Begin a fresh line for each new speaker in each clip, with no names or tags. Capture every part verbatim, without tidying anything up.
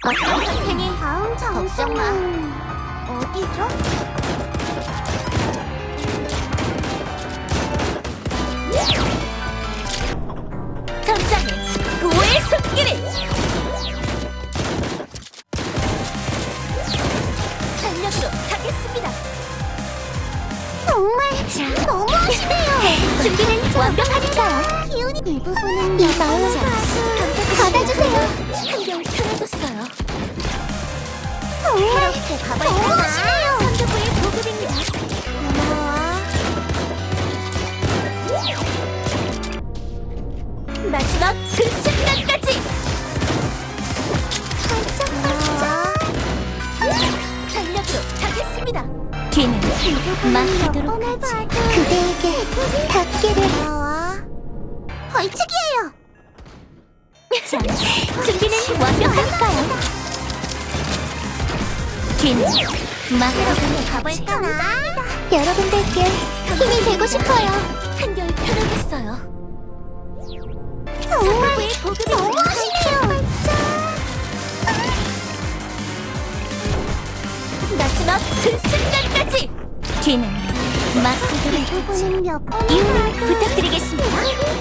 걱정 할 테니 다음 걱정 마. 어디죠? 전장에 구호의 손길을! 전력으로 가겠습니다. 정말 너무하시네요. 준비는 완벽하니까요. 기운이 이 부분은 이 마음 받아주세요. 한결 편해졌어요. 정말 너무하시네요. 선두부의 보급입니다. 고마워. 마지막 그 순간까지! 반짝반짝! 전력으로 가겠습니다. 뒤는 막히도록 하지. 그대에게 닿기를. 벌칙이에요. 자, 준비는 완벽하니까요. 뒤는 막히도록 가볼까나? 여러분들께 힘이 되고 싶어요. 한결 편해졌어요. 정말 너무하시네요. 마지막 그 순간까지! 뒤는 막히도록 하지. 이유를 부탁드리겠습니다.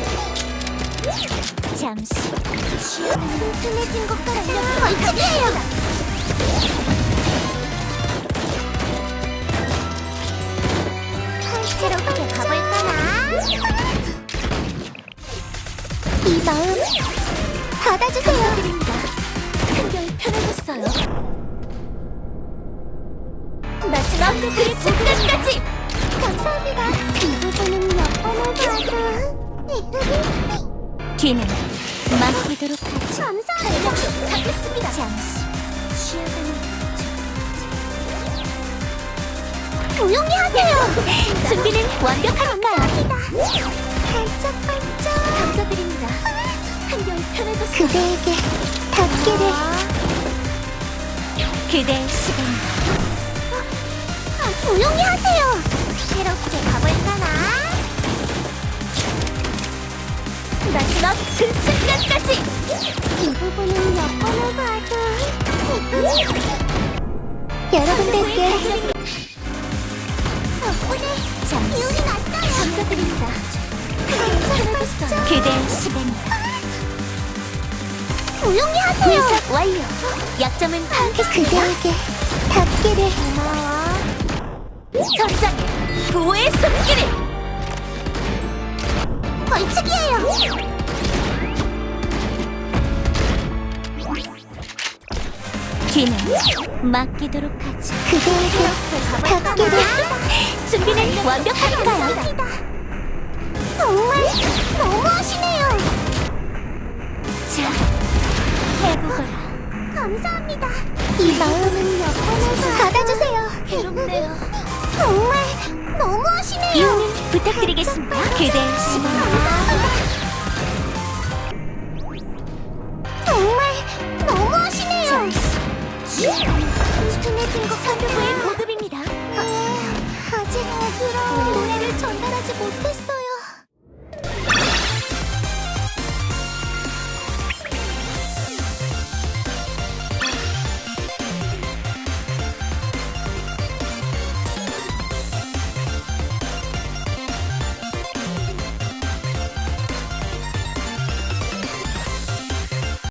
잠시 쉬어가는 튼튼해진 것 같아요. 벌칙이에요. 새롭게 가볼까나? 이 마음 받아주세요. 감사드립니다. 한결 편해졌어요. 마지막 그 순간까지! 감사합니다. 이 부분은 몇 번을 봐도 뒤는 막히도록 하지. 감사합니다. 가겠습니다. 잠시 쉬어가는 조용히 하세요. 준비는 완벽하니까요. 반짝반짝. 감사드립니다. 한결 편해졌어요. 그대에게 닿기를. 그대의 시간. 아, 조용히 하세요. 새롭게 가볼까나? 마지막 그 순간까지! 이 부분은 몇 번을 봐도 여러분들께 덕분에 기운이 났어요. 감사드립니다. 편해졌어요. 그대의 시간. 조용히 하세요. 분석 완료. 약점은 파악했습니다. 그대에게 닿기를. 고마워. 전장에 구호의 손길을! 벌칙이에요. 뒤는 맡기도록 하지. 그대에게 닿기를. 준비는 완벽하니까요. 정말 너무하시네요. 자, 해보거라. 감사합니다. 이 마음은 몇 번을 받아주세요. 괴롭네요. 정말 너무하시네요. 이유는 부탁드리겠습니다. 그대의 시간. 정말 너무하시네요. 튼튼해진 것 선두부의